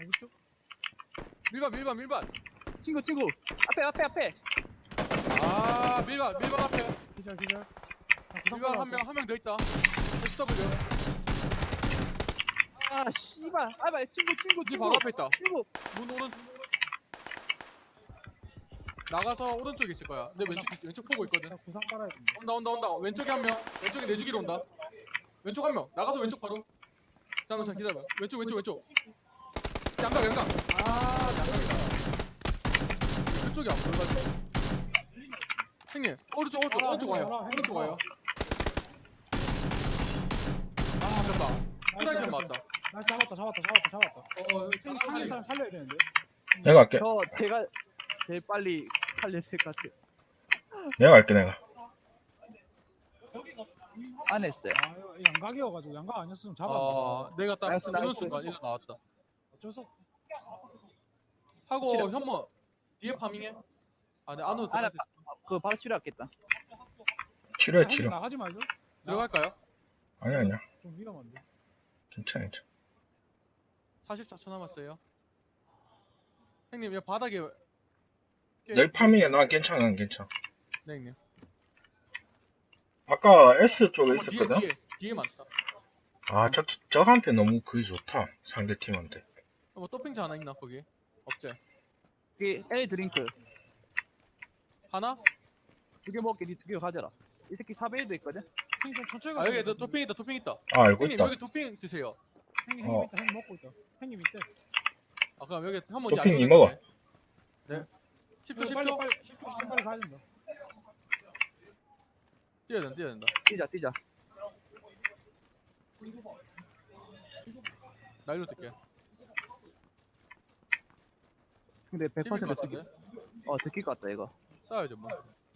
어디쪽? 밀반. 친구 앞에 아 밀반 앞에. 기절. 밀반 한 명 더 있다. SW. 아 씨발 아봐 친구 니 바로 앞에 있다. 친구 문 오른. 나가서 오른쪽에 있을 거야. 내 왼쪽 보고 있거든. 나 구상 깔아야 된다. 온다. 왼쪽에 한 명. 왼쪽에 내 주기로 온다. 왼쪽 한 명. 나가서 왼쪽 바로. 잠깐만 기다려. 왼쪽. 양각. 아 양각이다. 왼쪽이 안 보여가지고. 형님 오른쪽 와요. 아 아깝다. 트라이를 맞다. 나 잡았다. 형님 살릴 사람 살려야 되는데. 내가 할게. 제가 제일 빨리 살려야 될 것 같아. 내가 할게 내가. 안 했어요. 아 이거 양각이어가지고 양각 아니었으면 잡았는데. 내가 딱 나이스. 이런 순간 일로 나왔다. 어쩔 수 없. 하고 싫어. 현모 뒤에 파밍해. 아, 내 안으로 아, 나 들어갈 수 있어. 그거 바로 치료했겠다. 치료해 형님 치료. 나가지 말죠. 들어갈까요? 아니야. 좀 위험한데. 괜찮아. 44초 남았어요. 형님, 여기 바닥에 내 파밍에 난 괜찮아. 네, 형님. 아까 S 쪽에 있었거든. 뒤에 많다. 아, 저한테 너무 그게 좋다. 상대 팀한테. 뭐 토핑자 하나 있나 거기? 없지? 그 L 드링크 하나? 2개 먹게 니 2개 가져라. 이 새끼 4배에도 있거든. 형님 좀 천천히 아 가세요. 여기 토핑 있다. 아, 알고 형님 있다. 여기 토핑 드세요. 형님 어. 있다. 형님 먹고 있다. 형님 있대. 아 그럼 여기 한번 토핑 니 먹어. 네. 10초 빨리 10초. 빨리 10초 빨리 가야 된다. 뛰어야 된다. 뛰자. 나 일로 뛸게. 근데 100% 100% 같은데? 들킬 것 같다 이거. 싸워야죠 뭐.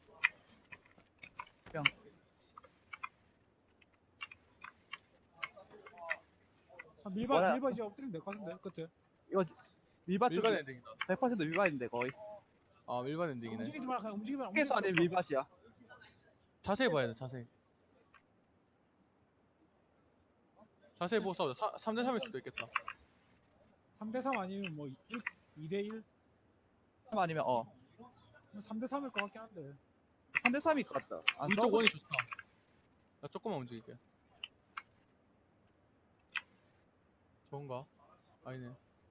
밀반 이제 엎드리면 될 것 같은데 끝에. 이거 밀밭 밀반 쪽 엔딩이다. 100% 밀밭인데 거의. 아 밀반 엔딩이네. 움직이지 마라. 그냥 움직이면 계속 안에 밀밭이야. 자세히 봐야 돼 자세히. 자세히 보고 싸우자. 3대 3일 수도 있겠다. 3대3 아니면 뭐 2대1? 아니면 3대3일 것 같긴 한데. 3대 3일 것 같다. 안 우리 쪽 싸우고 원이 좋다. 나 조금만 움직일게. 좋은가? 아니네.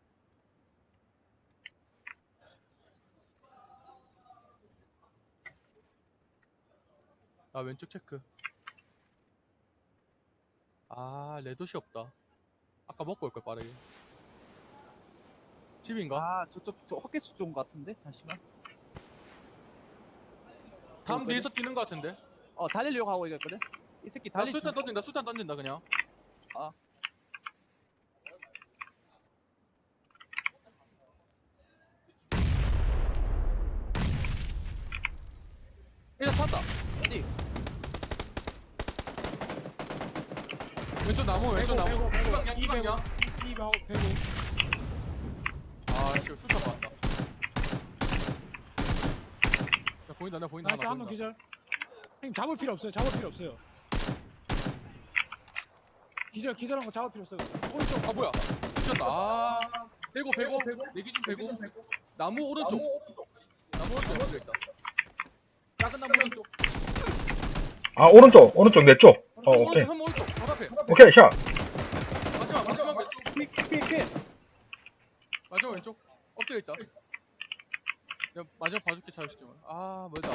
아 왼쪽 체크. 아 레도시 없다. 아까 먹고 올걸 빠르게. 집인가? 아 저쪽 저 헛개수 좋은 것 같은데. 잠시만. 담 뒤에서 뛰는 거 같은데? 달리려고 하고 있거든. 이 새끼 나 달리. 수탄 던진다 그냥. 아. 일단 탔다. 어디? 왼쪽 나무 왼쪽 나무. 배고. 이 방향. 2방 배고. 아 씨 수탄 맞다. 야 보인다 나 보인다 나이스 하나 한번 보인다. 기절. 형님 잡을 필요 없어요. 기절한 거 잡을 필요 없어요. 오른쪽. 아 뭐야? 미쳤다. 아 배고 내 기준 배고. 나무 오른쪽 왼쪽 있다. 작은 나무 오른쪽. 아, 오른쪽 내 쪽. 오케이. 오른쪽 바로 앞에. 오케이, 샷. 마지막 왼쪽. 피. 마지막 왼쪽. 엎드려 있다. 내가 마지막 봐줄게 자유시점을. 아 멀다.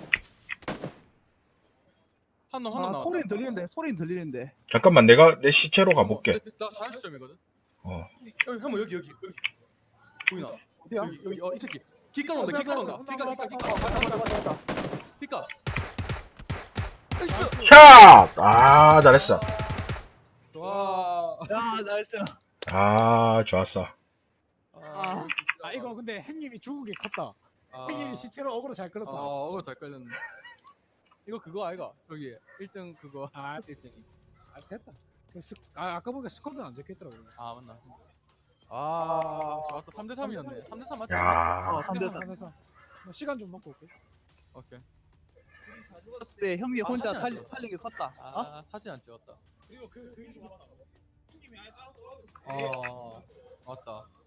한놈 나왔다. 소리는 들리는데. 잠깐만, 내가 내 시체로 가볼게. 나 자유시점이거든. 어. 여기 보이나? 어디야? 여기 이 새끼 기가 온다. 맞다. 기가. 나이스. 샷! 아, 잘했어. 와. 야 나이스. 아, 좋았어. 아 이거 근데 형님이 죽은 게 컸다. 형님이 시체로 어그로 잘 끌었다. 어거 잘 걸렸네. 이거 그거 아이가? 저기 1등 그거. 아 1등이. 됐다. 아까 보니까 스쿼드는 안 적혀있더라고요. 아 맞나? 아 맞다. 3대 3이었네. 3대 3 맞다. 야, 3대3. 시간 좀 먹고 올게. 오케이. 네 형님 혼자 사진 안 찍었어. 살린 게 컸다. 아 사진 안 찍었다. 그리고 그 형님이 아예 따로 돌아오고 맞다.